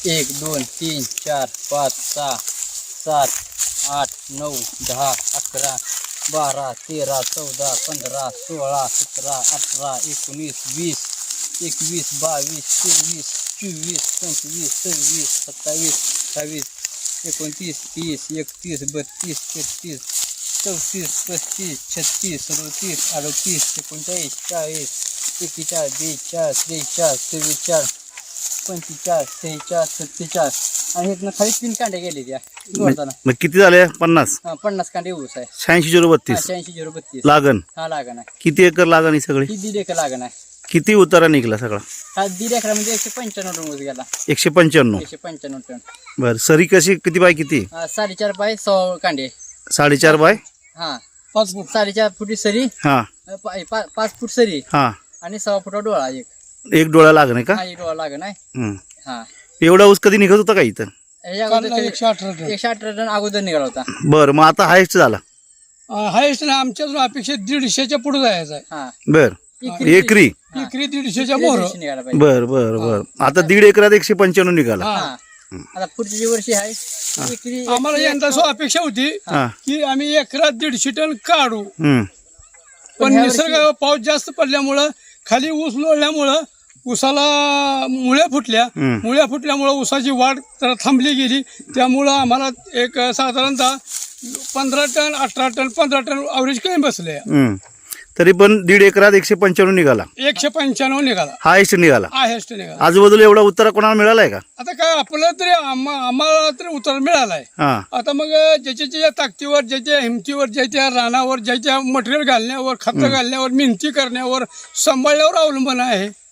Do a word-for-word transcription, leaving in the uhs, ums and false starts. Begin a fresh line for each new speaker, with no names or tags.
एक दोन तीन चार पाच सहा सात आठ नऊ दहा अकरा बारा तेरा चौदा पंधरा सोळा सतरा अठरा एकोणीस वीस एकवीस बावीस तेवीस चोवीस पंचवीस सव्वीस सत्तावीस अठ्ठावीस एकोणतीस तीस एकतीस बत्तीस तेहतीस चौतीस पस्तीस छत्तीस सदोतीस अडतीस एकोणचाळीस चाळीस एकेचाळीस बेचाळीस त्रेचाळीस चव्वेचाळीस पंचेचाळीस सेहेचाळीस सत्तेचाळीस आणि इथनं खाली तीन कांडे गेले त्या जोडताना.
मग किती झाले? पन्नास
हा पन्नास कांडे ऊस आहे.
शहाऐंशी झिरो बत्तीस
शहाऐंशी झिरो बत्तीस
लागण.
हा लागण आहे.
किती एकर लागण ही सगळी?
ही दीड एकर लागण आहे.
किती उतारा निघला सगळा?
हा दीड एकर म्हणजे एकशे पंच्याण्णव टन ऊस गेला.
एकशे पंच्याण्णव.
एकशे पंच्याण्णव टन.
बर सरी कशी किती बाय किती?
हा, साडेचार बाय सहा कांडे.
साडेचार बाय
हा पाच फूट साडेचार फुटी सरी.
हा
पा- पा- पाच फूट सरी
हा
आणि सहा फुटा डोळा एक.
एक डोळा लागण आहे का?
हा एक डोळा लागण आहे.
हम्म.
हा
एवढा ऊस कधी निघत होता का इथं?
याच्या अगोदर एकशे अठरा टन एकशे अठरा टन अगोदर निघाला होता.
बर मग आता हायस्ट झाला?
हायस्ट ना आमच्या अपेक्षित दीडशेच्या पुढे जायचं आहे.
हा
बर एकरी?
एकरी दीडशेच्या मोहर.
दीडशे निघाला पाहिजे.
बर बर बर आता दीड एकरात एकशे पंच्याण्णव निघाला.
हा आता पुढच्या जी वर्षी आहे एकरी
आम्हाला यंदा सो अपेक्षा होती
हा
की आम्ही एकरात दीडशे टन काढू,
हम्म
पण निसर्ग पाऊस जास्त पडल्यामुळं खाली ऊस लोळल्यामुळं ऊसाला मुळ्या फुटल्या.
हम्म.
मुळ्या फुटल्यामुळं ऊसाची वाढ तर थांबली गेली. त्यामुळं आम्हाला एक साधारणतः पंधरा टन अठरा टन पंधरा टन अवरेज कमी बसले.
हम्म तरी पण दीड एकरात एकशे पंच्याण्णव निघाला.
एकशे पंच्याण्णव निघाला.
हायस्ट निघाला.
हायस्ट निघाला.
आजूबाजूला एवढा उत्तरा कोणाला मिळालाय का?
आता काय आपलं तरी आम्हा- आम्हाला तरी उतार मिळालाय.
हा
आता मग ज्याच्या ज्याच्या ताकदीवर ज्याच्या हिमतीवर ज्याच्या रानावर ज्याच्या मटेरियल घालण्यावर खत घालण्यावर मेहनती करण्यावर सांभाळण्यावर अवलंबून आहे.